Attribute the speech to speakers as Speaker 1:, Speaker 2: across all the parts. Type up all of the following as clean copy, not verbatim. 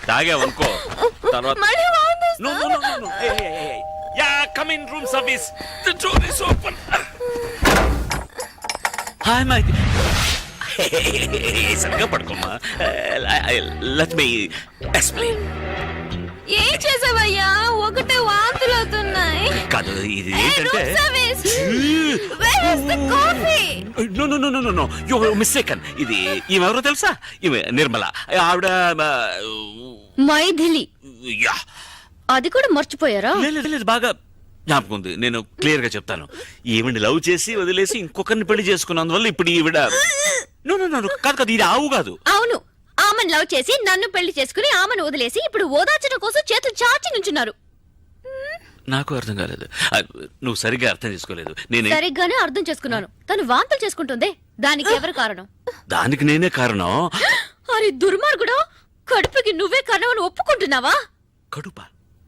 Speaker 1: తాగావనుకో తర్వాత come in room service the door is open hi my సరిగా పడుకోమ్మా let me explain
Speaker 2: ఏం చేసావయ్యా ఒకటే వాంతులు అవుతున్నాయి
Speaker 1: కాదు ఇది ఏంటంటే నో యు మిస్టేకన్ ఇది ఈమెవరో తెలుసా ఈమె నిర్మల ఆవిడ
Speaker 2: మైథిలి
Speaker 1: యా
Speaker 2: అది కూడా మర్చిపోయారా
Speaker 1: లేదు బాగా జ్ఞాపకం ఉంది నేను క్లియర్ గా చెప్తాను ఈవిడ లవ్ చేసి వదిలేసి ఇంకొకరిని పెళ్లి చేసుకున్నందువల్ల ఇప్పుడు ఈవిడ కాదు ఇది ఆవు కాదు
Speaker 2: అవును ఆమెను లవ్ చేసి నన్ను పెళ్లి చేసుకుని ఆమెను వదిలేసి ఇప్పుడు ఓదార్చడం కోసం చేతులు చాచి నుంచున్నారు
Speaker 1: నాకు అర్థం కాలేదు నువ్వు సరిగ్గా అర్థం చేసుకోలేదు నేను
Speaker 2: సరిగ్గానే అర్థం చేసుకున్నాను తను వాంతులు చేసుకుంటుందే దానికి ఎవరు కారణం
Speaker 1: దానికి నేనే కారణం
Speaker 2: అరే దుర్మార్గుడా కడుపుకి నువ్వే కారణం అని ఒప్పుకుంటున్నావా
Speaker 1: కడుప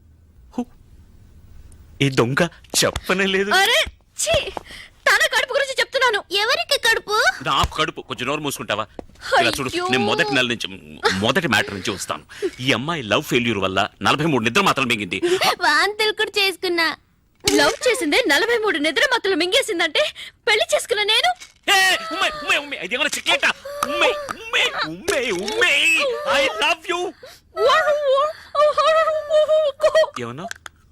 Speaker 1: ఈ దొంగ చెప్పనే లేదు
Speaker 2: అరే ఛీ తన కడుపు గురించి చెప్తున్నాను ఎవరికి కడుపు
Speaker 1: నాకు కడుపు కొంచెం నోరు మూసుకుంటావా ఇలా చూడు నేను మొదటి మ్యాటర్ నుంచి వస్తాను ఈ అమ్మాయి లవ్ ఫెయిల్యూర్ వల్ల 43 నిద్ర మాత్రం మింగింది
Speaker 2: వాంతులు కూడా చేసుకున్నా లవ్ చేసిందే 43 నిద్ర మాత్రం మింగేసిందంటే పెళ్లి చేసుకున్నా నేను
Speaker 1: ఏమన్నా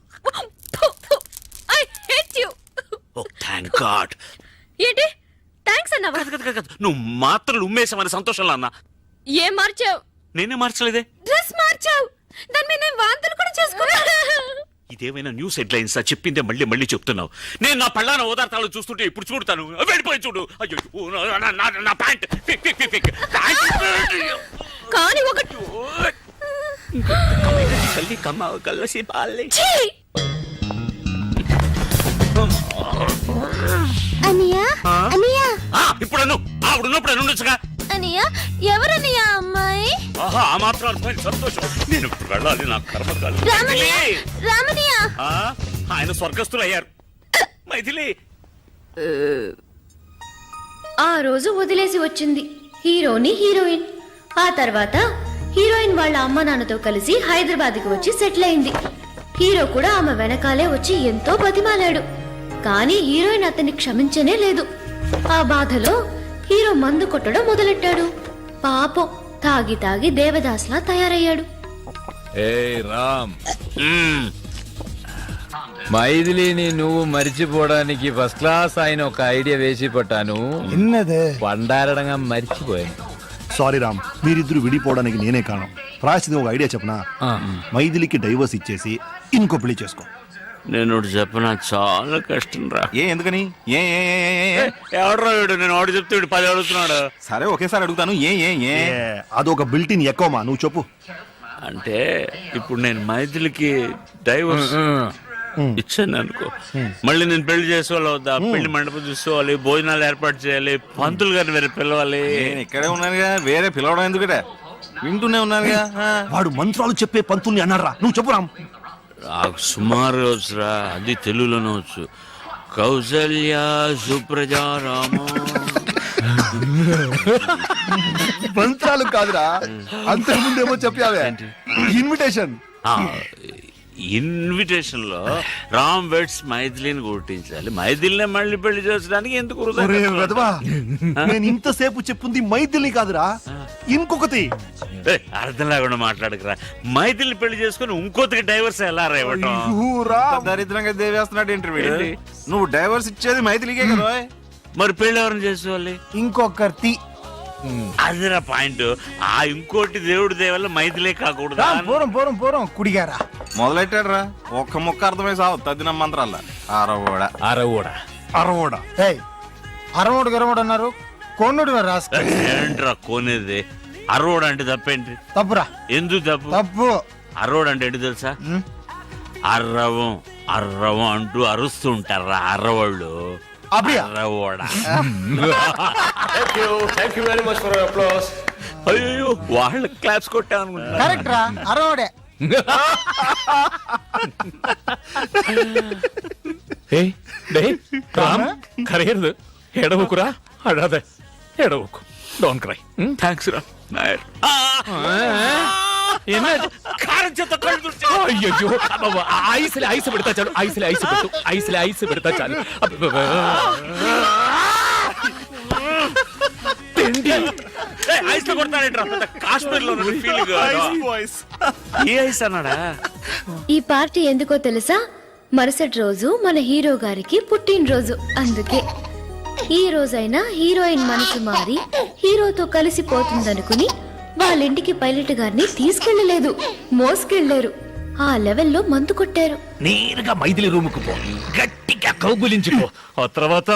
Speaker 2: I hate you
Speaker 1: thank God
Speaker 2: ఏంటి థాంక్స్ అన్నావా
Speaker 1: నువ్వు మాత్రం ఉమ్మేసామని సంతోషంలో అన్నా
Speaker 2: ఏం మార్చావు
Speaker 1: నేనే మార్చలేదే
Speaker 2: డ్రెస్ మార్చావు దాని మీద నేను వాంతులు కూడా చేసుకున్నా
Speaker 1: ఇదేమైనా న్యూస్ హెడ్లైన్స్ చెప్పిందే మళ్ళీ చెప్తున్నావు నేను నా పళ్ళాన ఓదార్తాలు చూస్తుంటే ఇప్పుడు చూడతాను వెళ్ళిపోయి చూడు అయ్యో నా ప్యాంట్
Speaker 2: కానీ ఒకటి
Speaker 1: కల్లి కమ్మ కల్లసి పాలే
Speaker 2: అనియా అనియా
Speaker 1: ఇప్పుడు ఆవిడున్నప్పుడు ఉండొచ్చుగా
Speaker 2: అనియా ఎవరనియా అమ్మాయి
Speaker 1: ఆహా ఆ మాత్రం అర్థమైంది సంతోషం నేను ఇప్పుడు వెళ్ళాలి నా కర్మ కాదు
Speaker 2: రామనియా
Speaker 1: ఆయన స్వర్గస్థులు అయ్యారు మైథిలి
Speaker 2: ఆ రోజు వదిలేసి వచ్చింది హీరోని హీరోయిన్ ఆ తర్వాత హీరోయిన్ వాళ్ళ అమ్మ నాన్నతో కలిసి హైదరాబాద్కి వచ్చి సెటిల్ అయింది హీరో కూడా ఆమె వెనకాలే వచ్చి ఎంతో బతిమాలాడు కానీ హీరోయిన్ అతన్ని క్షమించనే లేదు ఆ బాధలో హీరో మందు కొట్టడం మొదలెట్టాడు పాపం తాగి దేవదాస్లా తయారయ్యాడు
Speaker 3: రామ్ మైథిలిని నువ్వు మర్చిపోవడానికి ఫస్ట్ క్లాస్ ఆయన ఒక ఐడియా వేసి పట్టాను పండారడంగా మర్చిపోయాను
Speaker 4: సారీ రామ్ మీరిద్దరు విడిపోవడానికి నేనే కారణం రాసిది ఒక ఐడియా చెప్పనా మైథిలికి డైవర్స్ ఇచ్చేసి ఇంకో పెళ్లి చేసుకో
Speaker 1: నేను చెప్పనా చాలా కష్టం రా
Speaker 5: ఎందుకని
Speaker 1: ఎవడరా వీడు నేను ఆడు చెప్తే 10 అడుగుతున్నాడు
Speaker 5: సరే ఒకేసారి అడుగుతాను
Speaker 4: అదొక బిల్టిన్ ఎక్కువమా నువ్వు చెప్పు
Speaker 1: అంటే ఇప్పుడు నేను మైథిలికి డైవర్స్ ఇచ్చాను అనుకో మళ్ళీ నేను పెళ్లి చేసుకోవాలి వద్దా పెళ్లి మండపం చూసుకోవాలి భోజనాలు ఏర్పాటు చేయాలి పంతులు గారిని వేరే పిలవాలి
Speaker 5: నేను ఇక్కడే ఉన్నానుగా వేరే పిలవడం ఎందుకట వింటూనే ఉన్నానుగా
Speaker 4: వాడు మంత్రాలు చెప్పే పంతుల్ని అన్నారా నువ్వు చెప్పు రామ్
Speaker 1: నాకు సుమారు వచ్చురా అది తెలుగులోనే వచ్చు కౌసల్య సుప్రజా రామ
Speaker 4: మంత్రాలు కాదురా అంతకుముందేమో చెప్పావే ఇన్విటేషన్
Speaker 1: ఇన్విటేషన్ లో రామ్ వెడ్స్ మైథిలిని గుర్తించాలి మైథిలినే మళ్ళీ పెళ్లి చేసడానికి ఎందుకు
Speaker 4: నేను ఇంతసేపు చెప్పింది మైథిలి కాదురా ఇంకొకటి
Speaker 1: అర్థం లేకుండా మాట్లాడకరా మైథిలి పెళ్లి చేసుకుని ఇంకొకటికి డైవర్స్ ఎలా రేవటం
Speaker 5: దరిద్రంగా దేవేస్తున్నాడు ఇంటర్వ్యూ నువ్వు డైవర్స్ ఇచ్చేది మైథిలికే కదా
Speaker 1: మరి పెళ్లి ఎవరిని చేసుకోవాలి
Speaker 4: ఇంకొకటి
Speaker 1: అదిరా పాయింట్ ఆ ఇంకోటి దేవుడి దేవల్ల మైథిలే కాకూడదు
Speaker 4: పూరం కుడిగారా
Speaker 5: మొదలెట్టాడు రా ఒక్క ముక్క అర్థమై సావు తద్దిన మంత్రాల
Speaker 3: అరవోడా
Speaker 4: అరవోడు అన్నారు కొన్నుడు
Speaker 1: ఏంట్రా కోనేది అరవోడు అంటే తప్పేంటి
Speaker 4: తప్పురా
Speaker 1: ఎందుకు తప్పు అరవోడు అంటే ఏంటి తెలుసా అర్రవం అంటూ అరుస్తూ ఉంటారా అర్రవాళ్ళు అయ్యో వాళ్ళ క్లాప్స్ కొట్టా
Speaker 4: అరవడే
Speaker 3: కరగదు ఎడవకురా అడాదే ఎడవకు డోంట్ క్రై
Speaker 1: థ్యాంక్స్ రా కారం చేత కళ్ళు తుడిచే.
Speaker 3: అయ్యో ఐస్ పెడతా చాలు ఐస్ పెడతా చాలు
Speaker 1: ఐస్ లో కొడతానేంట్రా కాశ్మీర్ లో ఫీలింగ్. ఏ ఐస్ అన్నాడా?
Speaker 2: ఈ పార్టీ ఎందుకో తెలుసా? మరుసటి రోజు మన హీరో గారికి పుట్టినరోజు. అందుకే ఈ రోజైనా హీరోయిన్ మనసు మారి హీరోతో కలిసిపోతుందనుకుని వాళ్ళింటికి పైలట్ గారిని తీసుకెళ్లలేదు, మోసుకెళ్లారు. ఆ లెవెల్లో మందు కొట్టారు.
Speaker 3: నేరుగా మైథిలి రూముకు పో, గట్టిగా కౌగులించుకో. ఆ తర్వాత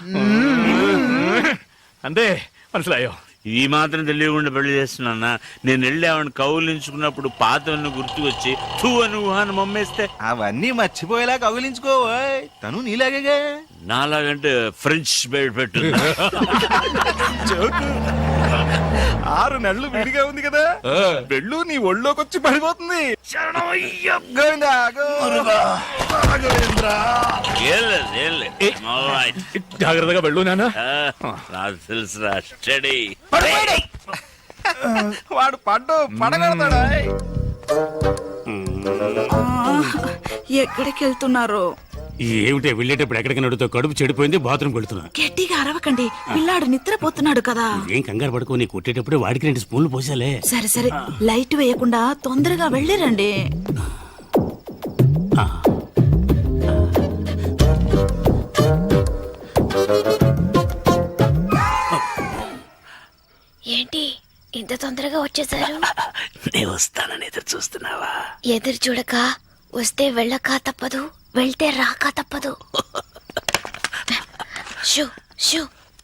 Speaker 3: అంతే మనసులాయో.
Speaker 1: ఈ మాత్రం తెలియకుండా పెళ్లి చేస్తున్నా. నేను వెళ్ళి ఆవిడ కౌలించుకున్నప్పుడు పాతవన్నీ గుర్తుకొచ్చి తూ అని ఊహాన్ని మమ్మేస్తే
Speaker 5: అవన్నీ మర్చిపోయేలా కౌగిలించుకో. తను నీలాగే
Speaker 1: నాలాగంటే ఫ్రెంచ్ బెడ్ పెట్టు.
Speaker 5: 6 నెలలు విడిగా ఉంది కదా, వెళ్ళు నీ ఒళ్ళోకి వచ్చి పడిపోతుంది. గోవిందా,
Speaker 3: జాగ్రత్తగా వెళ్ళు నాన్న.
Speaker 1: నాకు తెలుసురా, స్టడీ.
Speaker 5: వాడు పడగడతాడా?
Speaker 6: ఎక్కడికి వెళ్తున్నారు?
Speaker 7: ఏమిటే వెళ్ళేటప్పుడు ఎక్కడికి నడుతో కడుపు చెడిపోయింది, బాత్రూమ్ వెళ్తున్నా.
Speaker 6: గట్టిగా అరవకండి, పిల్లాడు నిద్రపోతున్నాడు కదా.
Speaker 7: ఏం కంగారు పడుకో, నీ కొట్టేటప్పుడు వాడికి 2 స్పూన్లు పోసాలే.
Speaker 6: సరే సరే, లైట్ వేయకుండా తొందరగా వెళ్ళిరండి.
Speaker 2: ఏంటి ఇంత తొందరగా వచ్చేసారు?
Speaker 7: నేను వస్తానని ఎదురు చూస్తున్నావా?
Speaker 2: ఎదురు చూడక వస్తే వెళ్ళక తప్పదు, వెళ్తే రాక తప్పదు. షూ షూ.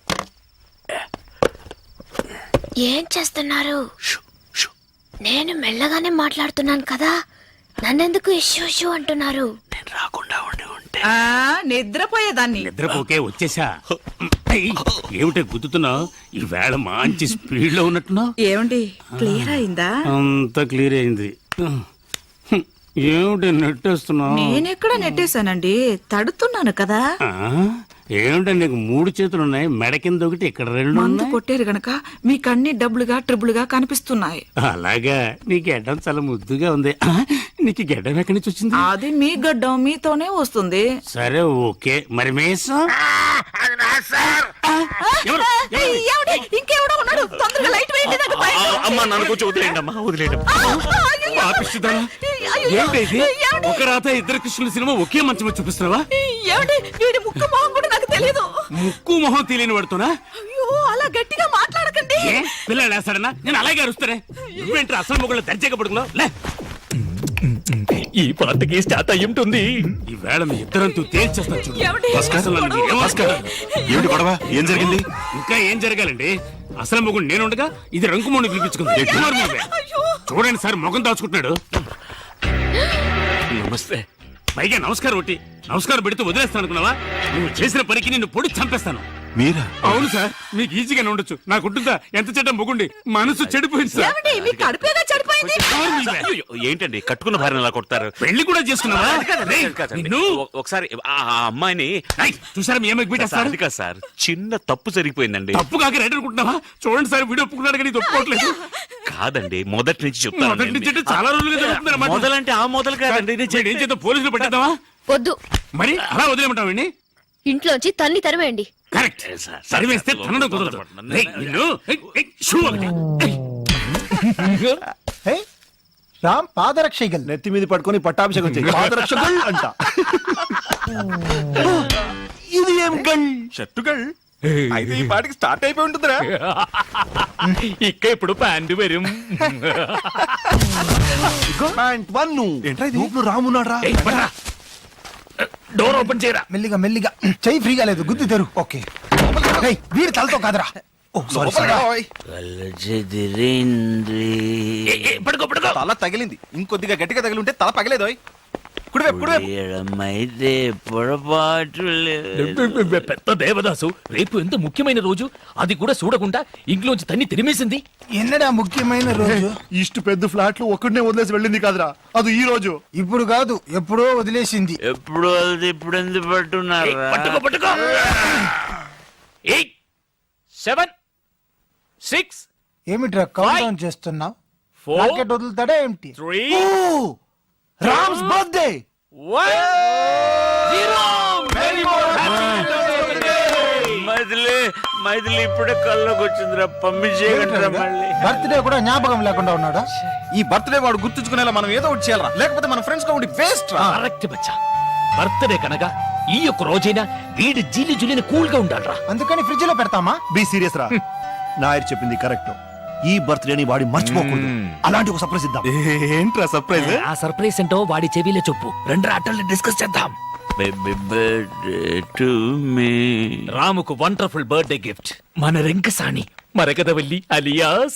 Speaker 2: ఏం చేస్తున్నారు? నేను మెల్లగానే మాట్లాడుతున్నాను కదా, నన్నెందుకు ఇష్యూ షూ అంటున్నారు?
Speaker 7: నేను రాకుండా ఉండి ఉంటే
Speaker 6: నిద్రపోయేదాన్ని.
Speaker 7: నిద్రపోకే వచ్చేసా. ఏమిటే గుద్దుతున్నావు? ఈ వేళ మంచి స్పీడ్ లో ఉన్నట్టున్నావు.
Speaker 6: ఏమండి, క్లియర్ అయిందా?
Speaker 7: అంత క్లియర్ అయింది. ఏమిటి నెట్టేస్తున్నావు?
Speaker 6: నేనెక్కడ నెట్టేశానండి, తడుతున్నాను కదా.
Speaker 7: ఏమిటో నీకు 3 చేతులు ఉన్నాయి, మెడ కింద ఒకటి, ఇక్కడ 2
Speaker 6: మందు
Speaker 7: ఉన్నాయి.
Speaker 6: కొట్టారు గనక మీకు అన్ని డబ్బులుగా ట్రిబుల్గా కనిపిస్తున్నాయి.
Speaker 7: అలాగా? నీ గెడ్డం చాలా ముద్దుగా ఉంది. నీకు గెడ్డం ఎక్కడి నుంచి వచ్చింది?
Speaker 6: అది మీ గడ్డం మీతోనే వస్తుంది.
Speaker 7: సరే ఓకే, మరి మేసం
Speaker 6: ఏమండి, ఇంకెవడో ఉన్నాడు, తొందరగా లైట్ వేయండి. నాకు భయం.
Speaker 1: అమ్మా నన్ను కొంచెం వదిలేయండి అమ్మా, వదిలేయండి.
Speaker 7: ఒక రాత 2 కృష్ణుల సినిమా ఒకే మంచం చూపిస్తున్నావా?
Speaker 6: ఏమండి, వీడి ముక్కు మొహం కూడా నాకు తెలియదు.
Speaker 7: ముక్కు మొహం తెలియని పడుతున్నా?
Speaker 6: అయ్యో, అలా గట్టిగా మాట్లాడకండి.
Speaker 7: పిల్లలు వేస్తాడన్నా? నేను అలాగే అరుస్తానే. నువ్వేంటి అసలు మొగుళ్ళు దర్జాగా పడుకున్నావు? లే,
Speaker 3: ఈ పాటకి స్టార్ట్ అయ్యి ఉంటుంది.
Speaker 7: ఈ వేళ మీ ఇద్దరంతూ తేల్చేస్తాను చూడు.
Speaker 6: ఏమండి?
Speaker 7: అసలు నన్ను ఏం అసలు-
Speaker 4: ఏమిటి గొడవ? ఏం జరిగింది?
Speaker 7: ఇంకా ఏం జరగాలండి? అసలు మొగుడు నేను ఉండగా ఇది రంకుమోని పిలిపించుకుంది. చూడండి సార్, మొగం దాచుకుంటున్నాడు.
Speaker 1: నమస్తే.
Speaker 7: పైగా నమస్కారం ఒకటి, నమస్కారం పెడితే వదిలేస్తాను అనుకున్నావా? నువ్వు చేసిన పనికి నిన్ను పొడి చంపేస్తాను.
Speaker 4: మీరా?
Speaker 7: అవును సార్, మీకు ఈజీగానే ఉండొచ్చు. నాకుంటుందా? ఎంత చెడ్డ మొగుండి, మనసు చెడిపోయింది సార్.
Speaker 6: ఏమండి, మీ కడుపేగా చెడిపోయింది.
Speaker 1: అయ్యో, ఏంటండి కట్టుకున్న భార్యను అలా కొడతారు?
Speaker 7: పెళ్లి కూడా చేసుకున్నావా? రేయ్,
Speaker 1: కాదండి.
Speaker 7: నిన్ను
Speaker 1: ఒకసారి ఆ అమ్మాయిని.
Speaker 7: రేయ్, చూసారా మీ ఏమైనా
Speaker 1: సార్,
Speaker 7: పెట్టేస్తారు?
Speaker 1: అది కాదు సార్, చిన్న తప్పు జరిగిపోయిందండి.
Speaker 7: తప్పు కాక రైట్ అనుకుంటున్నావా? చూడండి సార్, వీడియో ఒప్పుకున్నాడు కానీ ఇది ఒప్పుకోవట్లేదు.
Speaker 1: కాదండి, మొదటి నుంచి
Speaker 7: మొదటి నుంచి అంటే చాలా రోజులుగా జరుగుతుంది అన్నమాట.
Speaker 1: మొదలంటే ఆ మొదలు కాదండి.
Speaker 7: వీడు ఏం చేద్దాం, పోలీసులు పెట్టేద్దామా?
Speaker 2: వద్దు,
Speaker 7: మరి అలా వదిలేమంటావండి?
Speaker 2: ఇంట్లోంచి తన్ని తరివేయండి.
Speaker 7: కరెక్ట్, సరివేస్తే తనడం కుదరదు. రేయ్, నిన్ను, షూ ఒకటి.
Speaker 8: రామ్ పాదరక్షగల్.
Speaker 4: నెత్తి మీద పట్టుకొని పట్టాభిషేకం చేయి. పాదరక్షకుల్ అంట. ఇది ఏం గల్?
Speaker 5: షర్టుగల్ అయితే ఈ పాటికి స్టార్ట్ అయిపోయి ఉంటుందిరా.
Speaker 3: ఇక్క ఇప్పుడు ప్యాంటు వരും.
Speaker 4: ప్యాంట్ వన్ను. నువ్వు రామున్నాడు రా.
Speaker 3: డోర్ ఓపెన్ చేయరా.
Speaker 8: మెల్లిగా మెల్లిగా, చెయ్యి ఫ్రీగా లేదు, గుద్ది తెరు. ఓకే, ఏయ్, వీడి తలతో కాదురా. ఓ సారీ సారీ.
Speaker 3: పడుకో పడుకో.
Speaker 5: తల తగిలింది, ఇంకొద్దిగా గట్టిగా తగిలింటే తల పగలేదోయ్. కుడివైపు కుడివైపు.
Speaker 1: అయితే పొరపాటు
Speaker 3: పెద్ద దేవదాసు, రేపు ఎంత ముఖ్యమైన రోజు, అది కూడా చూడకుండా ఇంట్లోంచి తన్ని తిరిమేసింది.
Speaker 8: ఎన్నడా ముఖ్యమైన రోజు?
Speaker 4: ఇష్ట పెద్ద ఫ్లాట్లు ఒక్కడనే వదిలేసి వెళ్ళింది కాదురా, అది ఈ రోజు.
Speaker 8: ఇప్పుడు కాదు, ఎప్పుడో వదిలేసింది.
Speaker 1: ఎప్పుడు వెళ్తే ఇప్పుడు ఎందుకు పట్టున్నారు?
Speaker 3: పట్టుకో పట్టుకో. 8 7 6
Speaker 8: ఏమిట్రా కౌంట్ డౌన్ చేస్తున్నావు?
Speaker 3: 4,
Speaker 8: రాకెట్ వదులుతాడా ఏమిటి
Speaker 3: 3,
Speaker 4: Ram's birthday
Speaker 3: 1, 0. Many more happy birthday.
Speaker 1: Maithili ఇప్పుడే కల్లోకి వచ్చిందిరా పంపించేయగలరా మళ్ళీ
Speaker 8: బర్త్డే కూడా జ్ఞాపకం లేకుండా ఉన్నాడా?
Speaker 5: ఈ బర్త్డే వాడు గుర్తుంచుకునేలా మనం ఏదో ఒకటి చేయాలరా, లేకపోతే మన ఫ్రెండ్స్ గా ఉండి వేస్ట్ రా.
Speaker 7: కరెక్ట్ బచ్చా. బర్త్డే కనుక ఈ యొక్క రోజైనా వీడి జీలి జులిని కూల్ గా ఉండాలరా.
Speaker 8: అందుకని ఫ్రిడ్జ్ లో పెడతామా?
Speaker 4: బి సీరియస్ రా. నాయర్ చెప్పింది కరెక్ట్. ఈ బర్త్డేని వాడి మర్చిపోకూడదు. అలాంటి ఒక సర్ప్రైజ్ ఇద్దాం.
Speaker 5: ఏంట్రా సర్ప్రైజ్?
Speaker 7: ఆ సర్ప్రైజ్ ఏంటో వాడి చెవిలో చెప్పు. రెండు ఆటల్ని డిస్కస్ చేద్దాం.
Speaker 1: Baby birthday to me.
Speaker 7: రాముకు వండర్ఫుల్ బర్త్డే గిఫ్ట్ మన రెంకసాని మరకదవల్లి అలియాస్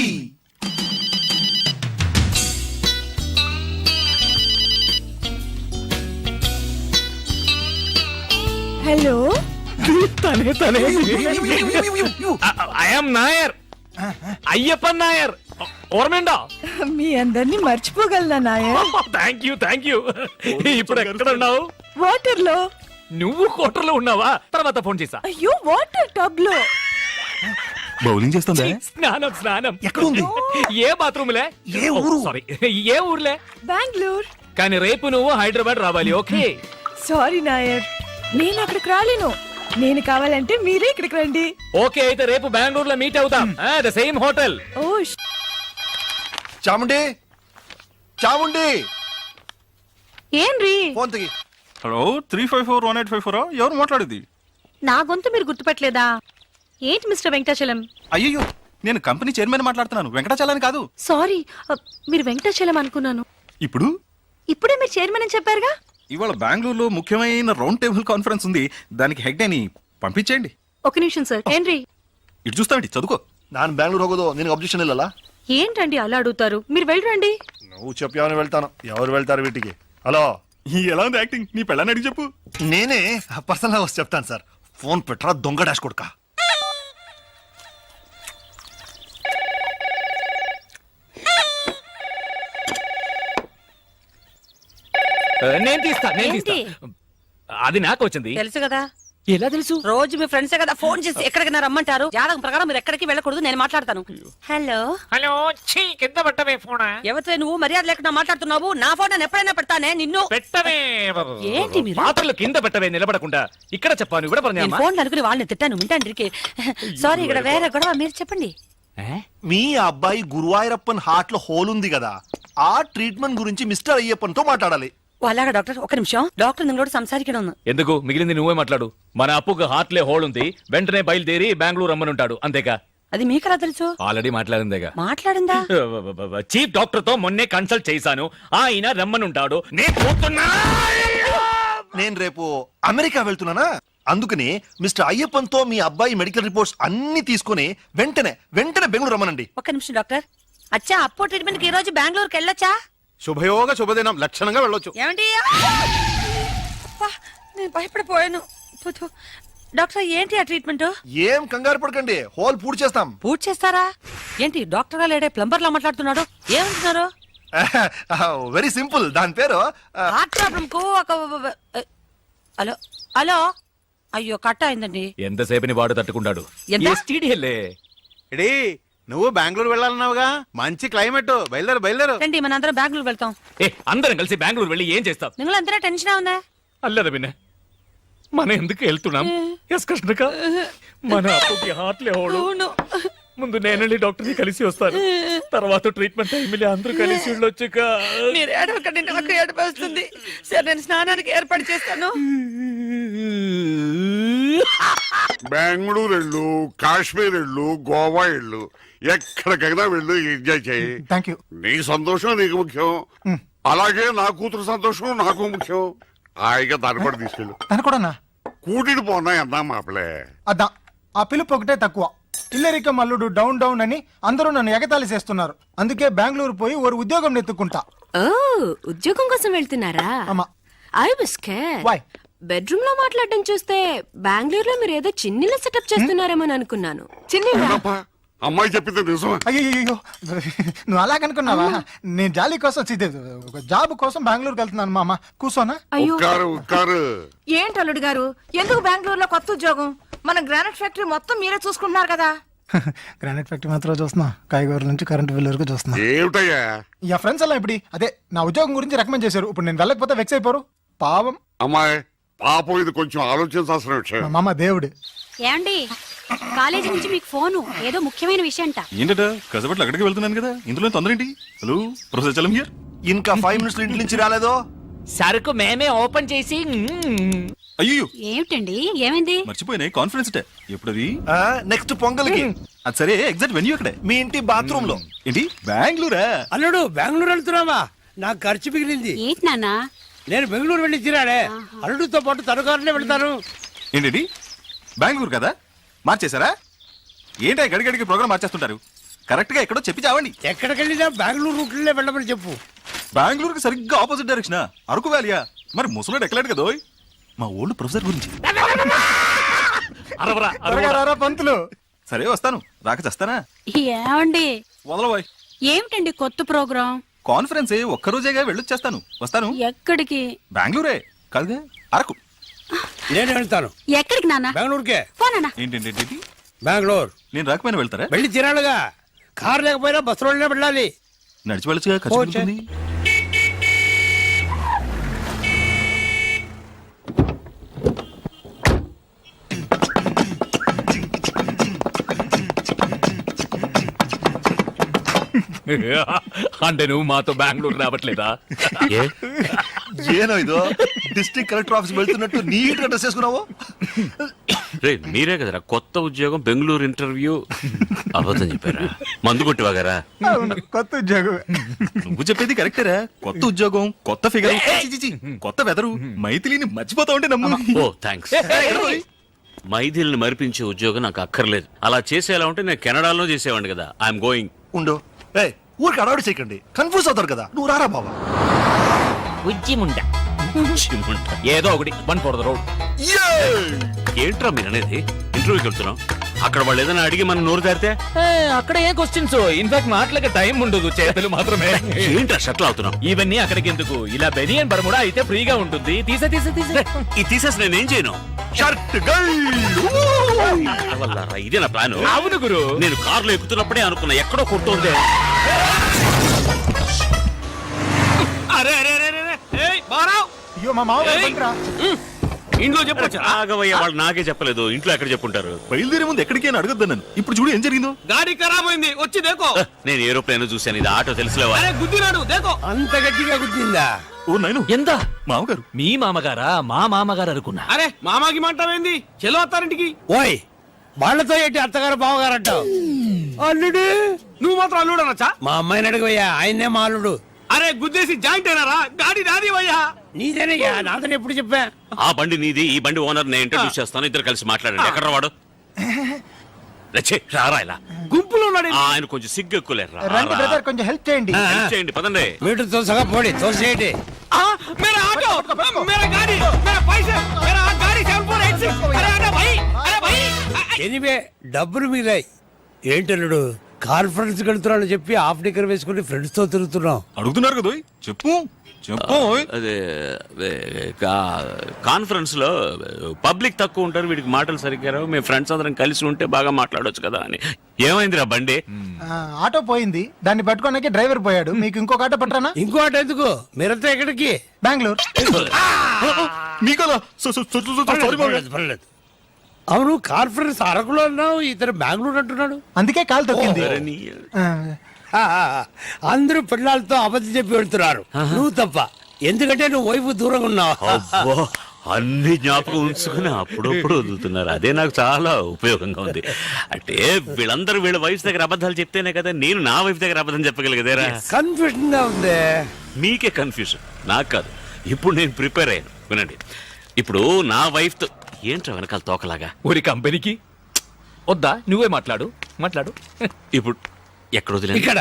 Speaker 6: హలో
Speaker 7: తనే తనే ఐఎమ్ నాయర్ అయ్యప్పన్ నాయర్ ఓర్మేండా.
Speaker 6: మీ అందరినీ మర్చిపోగలనా నాయర్?
Speaker 7: థ్యాంక్ యూ ఇప్పుడు ఎక్కడ ఉన్నావు?
Speaker 6: వాటర్ లో.
Speaker 7: నువ్వు కోటర్లో ఉన్నావా? తర్వాత ఫోన్ చేసా.
Speaker 6: అయ్యో వాటర్ టబ్ లో.
Speaker 5: బౌలింగ్ చేస్తుందా?
Speaker 7: స్నానం
Speaker 4: ఎక్కడుంది?
Speaker 7: ఏ బాత్రూమ్ లే?
Speaker 4: ఏ ఊరు?
Speaker 7: సారీ ఏ ఊర్లే?
Speaker 6: బెంగళూరు.
Speaker 7: కానీ రేపు నువ్వు హైదరాబాద్ రావాలి. ఓకే
Speaker 6: సారీ నాయర్, నేను అక్కడికి రాలేను. నేను కావాలంటే మీరే ఇక్కడికి రండి.
Speaker 7: ఓకే అయితే రేపు బెంగళూరులో మీట్ అవుతాం. The same hotel.
Speaker 6: ఓ
Speaker 4: చాముండి చాముండి
Speaker 6: ఏంరి?
Speaker 4: ఫోన్ తెగి.
Speaker 5: హలో 3541854 ఎవరు మాట్లాడేది?
Speaker 6: నా గొంతు మీరు గుర్తుపట్టలేదా? ఏంటి మిస్టర్ వెంకటాచలం?
Speaker 5: అయ్యో నేను కంపెనీ చైర్మన్ మాట్లాడుతున్నాను, వెంకటాచలాని కాదు.
Speaker 6: సారీ, మీరు వెంకటాచలం అనుకున్నాను.
Speaker 5: ఇప్పుడు
Speaker 6: ఇప్పుడే మీరు చైర్మన్ అని చెప్పారుగా.
Speaker 5: ఇవాళ బెంగళూరులో ముఖ్యమైన రౌండ్ టేబుల్ కాన్ఫరెన్స్ ఉంది, దానికి హెడ్ అని పంపించేయండి.
Speaker 6: ఒక నిమిషం సార్. ఏంరి?
Speaker 5: ఇటు చూస్తామండి, చదువుకో.
Speaker 4: ನಾನು ಬ್ಯಾಂಗ್ಳೂರ್ ಹೋಗೋದು ನಿನಗೆ ಅಬ್ಜೆಕ್ಷನ್ ಇಲ್ಲಲ್ಲ?
Speaker 6: ఏంటండి అలా అడుగుతారు? మీరు వెళ్ళరండి.
Speaker 4: నువ్వు చెప్పావని వెళ్తాను. ఎవరు వెళ్తారు వీటికి? హలో,
Speaker 5: ఎలా ఉంది యాక్టింగ్? నీ పెళ్ళని అడిగి చెప్పు.
Speaker 4: నేనే పర్సనల్ వచ్చి చెప్తాను సార్. ఫోన్ పెట్టరా దొంగ డాష్ కొడుక.
Speaker 7: నేను తీస్తా. అది నాకు వచ్చింది.
Speaker 9: తెలుసు కదా,
Speaker 7: ఎలా తెలుసు?
Speaker 9: రోజు మీ ఫ్రెండ్స్ కదా ఫోన్ చేసి ఎక్కడికైనా రమ్మంటారు. జాతకం ప్రకారం మీరు ఎక్కడికి వెళ్ళకూడదు, నేను మాట్లాడతాను. హలో
Speaker 7: హలో, కింద పెట్టవే ఫోన్.
Speaker 9: ఎవరితో నువ్వు మర్యాద లేకుండా మాట్లాడుతున్నావు? నా ఫోన్ నేను ఎప్పుడైనా పెడతానే నిన్ను.
Speaker 7: పెట్టవే.
Speaker 9: ఏంటి మీరు?
Speaker 7: పాత్రలు కింద పెట్టవే, నిలబడకుండా. ఇక్కడ చెప్పాను, ఇక్కడ
Speaker 9: నేను ఫోన్ అనుకుని వాళ్ళని తిట్టాను వింటాండ్రికి. సారీ, ఇక్కడ వేరే గొడవ, మీరు చెప్పండి.
Speaker 4: మీ అబ్బాయి గురువాయూరప్పన్ హార్ట్ లో హోల్ ఉంది కదా, ఆ ట్రీట్మెంట్ గురించి మిస్టర్ అయ్యప్పన్ తో మాట్లాడాలి.
Speaker 9: అలాగా డాక్టర్, ఒక నిమిషం. డాక్టర్ నిങ്ങളోട് సంസാരിക്കണം.
Speaker 7: ఎందుకు? మిగిలింది నువ్వే మాట్లాడు. మన అప్పుకు హార్ట్లే హోల్ ఉంది, వెంటనే బయలుదేరి బెంగళూరు రమ్మనుంటాడు. అంతేగా?
Speaker 9: అది మీకెలా తెలుసు?
Speaker 7: ఆల్రెడీ మాట్లాడిందేగా.
Speaker 9: మాట్లాడిందా?
Speaker 7: చీఫ్ డాక్టర్ తో మొన్నే కన్సల్ట్ చేశాను, ఆయన రమ్మనుంటాడు.
Speaker 4: నేను రేపు అమెరికా వెళ్తున్నానా, అందుకని మిస్టర్ అయ్యప్పన్ తో మీ అబ్బాయి మెడికల్ రిపోర్ట్స్ అన్ని తీసుకుని వెంటనే బెంగళూరు రమ్మనండి.
Speaker 9: ఒక నిమిషం డాక్టర్. అచ్చా, అప్పో ట్రీట్మెంట్ కి ఈ రోజు బెంగళూరుకి వెళ్ళొచ్చా?
Speaker 5: శుభయోగ శుభదినం, లక్షణంగా వెళ్ళొచ్చు.
Speaker 9: ఏమండి? నేను భయపడిపోయాను. డాక్టర్ ఏంటి ఆ ట్రీట్మెంట్?
Speaker 4: ఏం కంగారు పడకండి, హోల్ పూర్తి చేస్తాం.
Speaker 9: పూర్తి చేస్తారా? ఏంటి డాక్టర్ గా లేడే ప్లంబర్ లా మాట్లాడుతున్నాడు? ఏమంటున్నారు?
Speaker 4: వెరీ సింపుల్, దాని పేరు
Speaker 9: హార్ట్ ప్రాబ్లం కు ఒక హలో హలో. అయ్యో కట్ అయిందండి.
Speaker 7: ఎంతసేపని వాడు తట్టుకుంటాడు.
Speaker 9: ఎంత?
Speaker 5: ఎడీ నువ్వు బెంగళూరు వెళ్ళాలన్నావుగా, మంచి క్లైమేట్, బయలుదేరు.
Speaker 9: రండి, మన అందరం బెంగళూరు వెళ్తాం.
Speaker 7: అందరం కలిసి బెంగళూరు వెళ్ళి ఏం చేస్తాం?
Speaker 9: നിങ്ങൾ എന്തിനാ ടെൻഷൻ ആവുന്നേ?
Speaker 7: అల్లదా విన్న, మనం ఎందుకు వెళ్తున్నాం? ఎస్ కృష్ణక, మన అప్పుకి హార్ట్లే హోడు. ముందు నేనండి డాక్టర్ని కలిసి వస్తాను, తర్వాత ట్రీట్మెంట్ టైంలో అందరూ కలిసి వెళ్ళొచ్చుక.
Speaker 9: మీరు ఏడవకండి, నాకు ఏడుపు వస్తుంది. సరే, నేను స్నానానికి ఏర్పాటు చేస్తాను.
Speaker 10: బెంగళూరు వెళ్ళు, కాశ్మీర్ వెళ్ళు, గోవా వెళ్ళు, ఎక్కడికైనా వెళ్ళు, ఎంజాయ్ చేయి.
Speaker 8: Thank you.
Speaker 10: నీ సంతోషం నీకు ముఖ్యం, అలాగే నా కూతురు సంతోషం నాకు ముఖ్యం. హాయిగా దాన్ని కూడా తీసుకెళ్ళు.
Speaker 8: తను కూడా
Speaker 10: కూటిని పోనా అన్నా మాపలే.
Speaker 8: అద్దా, ఆ పిలుపు ఒకటే తక్కువ. ఇల్లరిక మల్లుడు డౌన్ డౌన్ అని అందరూ నన్ను ఎగతాళి చేస్తున్నారు. అందుకే బెంగళూరు పోయి ఓ ఉద్యోగం నెత్తుకుంటా.
Speaker 2: ఓ, ఉద్యోగం కోసం వెళ్తున్నారా?
Speaker 8: అమ్మా.
Speaker 2: I was scared.
Speaker 8: Why?
Speaker 2: Bedroom లో మాట్లాడడం చూస్తే బెంగళూరులో మీరు ఏదో చిన్నిల సెటప్ చేస్తున్నారేమో అనుకున్నాను.
Speaker 10: అవునప్పా, అమ్మాయి చెప్పింది నిజమే.
Speaker 8: అయ్యో, నువ్వు అలాగనుకున్నావా? నేను జాలీ కోసం ఒక జాబ్ కోసం బెంగళూరుకి వెళ్తున్నాను. మామ కూర్చోనా?
Speaker 10: ఉక్కారు
Speaker 6: ఏంటి అల్లుడు గారు, ఎందుకు బెంగళూరులో కొత్త ఉద్యోగం? మన గ్రానైట్ ఫ్యాక్టరీ మొత్తం మీరే చూసుకుంటున్నారు కదా.
Speaker 8: గ్రానైట్ ఫ్యాక్టరీ మాత్రం చూస్తున్నా, కాయగూరల నుంచి కరెంట్ బిల్ వరకు చూస్తున్నా.
Speaker 10: ఏమిటయ్యా
Speaker 8: యా ఫ్రెండ్స్ అలా ఇప్పుడు అదే నా ఉద్యోగం గురించి రికమెండ్ చేశారు. ఇప్పుడు నేను వెళ్ళకపోతే వెక్స్ అయిపోరు. పాపం
Speaker 10: అమ్మాయి పాపం, ఇది కొంచెం ఆలోచించాల్సిన విషయం.
Speaker 8: మా మామ దేవుడు.
Speaker 9: ఏమండి కాలేజీ నుంచి మీకు ఫోను, ఏదో ముఖ్యమైన విషయం అంట.
Speaker 5: ఏంటట కసబట్లు అక్కడికి వెళ్తున్నాను కదా, ఇందులో తొందర ఏంటి? Hello professor Chalam here.
Speaker 4: ఇంకా 5 మినిట్స్ ఇంటి నుంచి రాలేదో?
Speaker 3: సరుకు మేమే ఓపెన్ చేసి
Speaker 5: అయ్యో
Speaker 9: ఏమిటండి ఏమైంది?
Speaker 5: మర్చిపోయినాయి కాన్ఫరెన్స్ టే ఎప్పుడది?
Speaker 4: నెక్స్ట్ పొంగల్కి.
Speaker 5: అది సరే, ఎగ్జాక్ట్ వెన్యూ అక్కడే.
Speaker 4: మీ ఇంటి బాత్రూమ్ లో.
Speaker 5: ఏంటి బెంగళూరా?
Speaker 11: అల్లుడు బెంగళూరు వెళ్తున్నావా? నాకు ఖర్చు మిగిలింది.
Speaker 9: ఏంటి నాన్న?
Speaker 11: నేను బెంగళూరు వెళ్ళి తీరాడే. అల్లుడితో పాటు తనుకారులే వెళ్తాను.
Speaker 5: ఏంటి బెంగళూరు కదా, మార్చేశారా? ఏంటి గడిగడికి ప్రోగ్రామ్ మార్చేస్తుంటారు? కరెక్ట్ గా ఎక్కడో చెప్పి చావండి.
Speaker 11: ఎక్కడికి వెళ్ళినా బెంగళూరు రూట్లే వెళ్ళమని చెప్పు.
Speaker 5: బెంగళూరుకి సరిగ్గా ఆపోజిట్ డైరెక్షన్. అరకు వ్యాలియా? మరి ముసలోడు ఎక్కలేడు కదా. మా ఓల్డ్ ప్రొఫెసర్ గురించి.
Speaker 8: త్వరగా రారా పంతులు.
Speaker 5: సరే వస్తాను, రాక చేస్తానా?
Speaker 9: ఏమండి
Speaker 5: వదలబోయ్.
Speaker 9: ఏమిటండి కొత్త ప్రోగ్రాం?
Speaker 5: కాన్ఫరెన్స్ ఒక్కరోజేగా వెళ్ళొచ్చేస్తాను. వస్తాను.
Speaker 9: ఎక్కడికి?
Speaker 5: బెంగళూరే కాదుగా, అరకు.
Speaker 11: నేను వెళ్తాను.
Speaker 9: ఎక్కడికి నాన్న?
Speaker 11: బెంగళూరుకే.
Speaker 9: పోనా?
Speaker 5: ఏంటంటే
Speaker 11: బెంగళూరు
Speaker 5: నేను రాకపోయినా వెళ్తారా?
Speaker 11: వెళ్ళి తీరాడుగా. కారు లేకపోయినా బస్సులోనే వెళ్ళాలి.
Speaker 5: నడిచి వెళ్ళొచ్చుగా, ఖర్చు
Speaker 11: పోచే.
Speaker 5: పెరుగుతుంది.
Speaker 3: అంటే నువ్వు మాతో బెంగళూరు రావట్లేదా?
Speaker 1: ఏ
Speaker 4: ఏనో ఇదో డిస్ట్రిక్ట్ కలెక్టర్ ఆఫీస్ వెళ్తున్నట్టు నీట్ గా డ్రెస్ చేసుకున్నావు.
Speaker 1: రే మీరే కదరా కొత్త ఉద్యోగం బెంగళూరు ఇంటర్వ్యూ అబద్ధం చెప్పారా? మందు కొట్టివాగారా?
Speaker 8: అవును, కొత్త ఉద్యోగం.
Speaker 5: నువ్వు చెప్పేది కరెక్టేరా. కొత్త ఉద్యోగం, కొత్త ఫిగర్, కొత్త వెదరు. మైథిలిని మర్చిపోతా ఉంటే నమ్ము.
Speaker 1: ఓ థ్యాంక్స్. మైథిల్ని మరిపించే ఉద్యోగం నాకు అక్కర్లేదు. అలా చేసేలా ఉంటే నేను కెనడాలో చేసేవాడిని కదా. I'm going.
Speaker 4: ఉండు. ఊరికి అడవాడు చేయకండి, కన్ఫ్యూజ్ అవుతారు కదా. నువ్వు రారా బాబా.
Speaker 3: ఉజ్జిముండ ఏదో ఒకటి 1 for the road.
Speaker 1: ఏంట్రా మీరు అనేది? ఇంటర్వ్యూకి వెళ్తున్నాం, అక్కడ వాళ్ళు ఏదైనా అడిగి మనం నోరు తెరితే
Speaker 3: అక్కడ ఏ క్వశ్చన్స్? ఇన్ఫాక్ట్ మాటలకి టైం ఉండదు, చేతులు మాత్రమే.
Speaker 1: ఏంట్రా షట్లు అవుతున్నాం?
Speaker 3: ఇవన్నీ అక్కడికి ఎందుకు? ఇలా బెనియన్ బర్ముడా అయితే ఫ్రీగా ఉంటుంది. తీసే
Speaker 1: ఇది తీసేసి నేనేం చేయను?
Speaker 4: షర్ట్
Speaker 1: వల్లారా, ఇదే నా ప్లాన్.
Speaker 3: అవును గురు.
Speaker 1: నేను కారులో ఎక్కుతున్నప్పుడే అనుకున్నా ఎక్కడో కొడుతుంది.
Speaker 3: అరే అరే అరే అరే, ఏయ్ బారావ్,
Speaker 8: అయ్యో మా మామ బండిరా.
Speaker 3: ఇంట్లో చెప్పొచ్చా?
Speaker 1: ఆగవయ్య, వాళ్ళు నాకే చెప్పలేదు. ఇంట్లో ఎక్కడ చెప్పుంటారు?
Speaker 5: బయలుదేరే ముందు ఎక్కడికి అని అడగద్దు నన్ను. ఇప్పుడు చూడు ఏం జరిగిందో.
Speaker 3: గాడి ఖరాబ్ అయింది, వచ్చి దేకో.
Speaker 1: నేను ఏరోప్లేన్ చూశాను, ఇది ఆటో తెలుసులేవా?
Speaker 3: అరే గుద్దినాడు, దేకో.
Speaker 11: అంత గట్టిగా గుద్దిందా?
Speaker 5: ఓ నైను,
Speaker 3: ఎంత?
Speaker 5: మామగారు.
Speaker 3: మీ మామగారా? మా మామగారు అనుకున్నా.
Speaker 7: అరే మామాకి మంటావేంది? చెలో అత్తారింటికి.
Speaker 11: ఓయ్, వాళ్ళతో ఏంటి అత్తగారు బావగారు అంటావు? అల్లుడు,
Speaker 7: నువ్వు మాత్రం అల్లుడు అనొచ్చా?
Speaker 11: మా అమ్మాయిని అడగవయ్యా, ఆయన్నే మా అల్లుడు.
Speaker 7: అరే గుద్దేసి జాయింట్ అయినారా? గాడి నాది వయ్యా.
Speaker 11: నీదేనయ్యా, నాదని ఎప్పుడు చెప్పా?
Speaker 1: ఆ బండి నీది, ఈ బండి ఓనర్ నేను ఇంట్రడ్యూస్ చేస్తాను. ఇద్దరు కలిసి మాట్లాడండి. ఎక్కడ వాడు? రచ్చే, రారా ఇలా.
Speaker 7: గుంపులో ఉన్నాడు.
Speaker 1: ఆయన కొంచెం సిగ్గు ఎక్కువలేరు.
Speaker 8: రండి బ్రదర్, కొంచెం హెల్ప్ చేయండి.
Speaker 1: చేయండి, పదండి.
Speaker 11: మీటర్ తోసగా పోడి, తోసేయండి.
Speaker 7: मेरा ऑटो, मेरा गाड़ी, मेरा पैसे, मेरा गाड़ी 7486. अरे अरे भाई, अरे भाई.
Speaker 11: ఎనివే డబ్బులు మిగిలాయి. ఏంటల్లుడు, కాన్ఫరెన్స్ వెళ్తున్నాను చెప్పి హాఫ్ డిక్కర్ వేసుకుని ఫ్రెండ్స్ తో తిరుగుతున్నాం.
Speaker 5: అడుగుతున్నారు కదా, చెప్పు చెప్పు.
Speaker 1: అదే కాన్ఫరెన్స్ లో పబ్లిక్ తక్కువ ఉంటారు, వీడికి మాటలు సరిగ్గా రావు. మేము ఫ్రెండ్స్ అందరం కలిసి ఉంటే బాగా మాట్లాడొచ్చు కదా అని. ఏమైందిరా బండి?
Speaker 8: ఆటో పోయింది, దాన్ని పట్టుకోడానికి డ్రైవర్ పోయాడు. మీకు ఇంకొక ఆటో పట్టరానా?
Speaker 11: ఇంకో ఆట ఎందుకు? మీరంతా ఎక్కడికి?
Speaker 8: బెంగళూరు.
Speaker 5: మీకలా
Speaker 11: పర్లేదు, పర్లేదు. అవును, కాన్ఫరెన్స్ అరకులో అన్నావు, ఇతను బెంగళూరు అంటున్నాడు.
Speaker 8: అందుకే కాలు తొక్కింది. ఆ,
Speaker 11: అందరూ పిల్లలతో అబద్ధం చెప్పి వెళ్తున్నారు, నువ్వు తప్ప. ఎందుకంటే నువ్వు వైపు దూరంగా ఉన్నావు.
Speaker 1: అబ్బో, అన్ని జ్ఞాపకం ఉంచుకుని అప్పుడప్పుడు వదులుతున్నారు. అదే నాకు చాలా ఉపయోగంగా ఉంది. అంటే వీళ్ళందరూ వీళ్ళ వైఫ్ దగ్గర అబద్ధాలు చెప్తేనే కదా నేను నా వైఫ్ దగ్గర అబద్ధం చెప్పగలిగేదేరా.
Speaker 11: కన్ఫ్యూజన్ గా ఉంది.
Speaker 1: మీకే కన్ఫ్యూజన్, నాకు కాదు. ఇప్పుడు నేను ప్రిపేర్ అయ్యాను, వినండి. ఇప్పుడు నా వైఫ్ తో ఏంట్రా వెనకాల తోకలాగా?
Speaker 3: ఊరి కంపెనీకి వద్దా? నువ్వే మాట్లాడు.
Speaker 1: ఇప్పుడు ఎక్కడ వదిలేదు?
Speaker 11: ఇక్కడ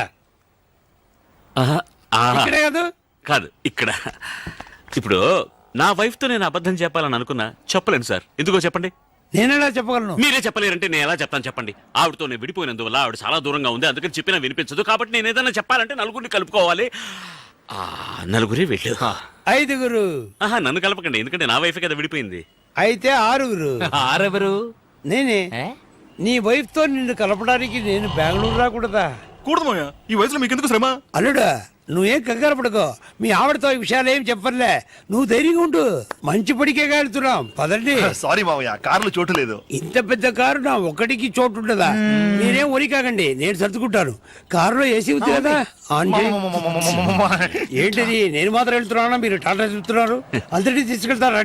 Speaker 11: ఇక్కడే కాదు,
Speaker 1: కాదు ఇక్కడ. ఇప్పుడు నా వైఫ్ తో నేను అబద్ధం చెప్పాలని అనుకున్నా, చెప్పలేను సార్. ఎందుకో చెప్పండి.
Speaker 11: నేనేలా చెప్పగలను?
Speaker 1: మీరే చెప్పలేరంటే నేను ఎలా చెప్తాను చెప్పండి. ఆవిడతో నేను విడిపోయినందువల్ల ఆవిడ చాలా దూరంగా ఉంది, అందుకని చెప్పినా వినిపించదు. కాబట్టి నేను ఏదైనా చెప్పాలంటే నలుగురిని కలుపుకోవాలి. నలుగురే వెళ్ళు.
Speaker 11: 5గురు.
Speaker 1: నన్ను కలపకండి, ఎందుకంటే నా వైఫ్ కదా విడిపోయింది.
Speaker 11: అయితే 6గురు.
Speaker 3: ఆరెవరు?
Speaker 11: నేనే. నీ వైఫ్ తో నిన్ను కలపడానికి నేను బెంగళూరు రాకూడదా?
Speaker 5: కూడదు మావయ్య, ఈ వయసులో మీకెందుకు శ్రమ?
Speaker 11: అల్లుడా నువ్వేం కంగారు పడుకో, మీ ఆవిడతో ఈ విషయాలు ఏం చెప్పర్లే, నువ్వు ధైర్యంగా ఉండు. మంచి పడికే వెళ్తున్నాం, పదండి.
Speaker 4: సారీ మావయ్య, కార్లు చోటు లేదు.
Speaker 11: ఇంత పెద్ద కారు నా ఒక్కడికి చోటు ఉండదా? మీరేం ఒరి కాకండి, నేను సర్దుకుంటాను. కారులో ఏసీ ఉంది కదా, ఆన్ చేయి. ఏంటిది నేను మాత్రం వెళ్తున్నానా, మీరు టాటా చెప్తున్నారు? అందరినీ తీసుకెళ్తారా?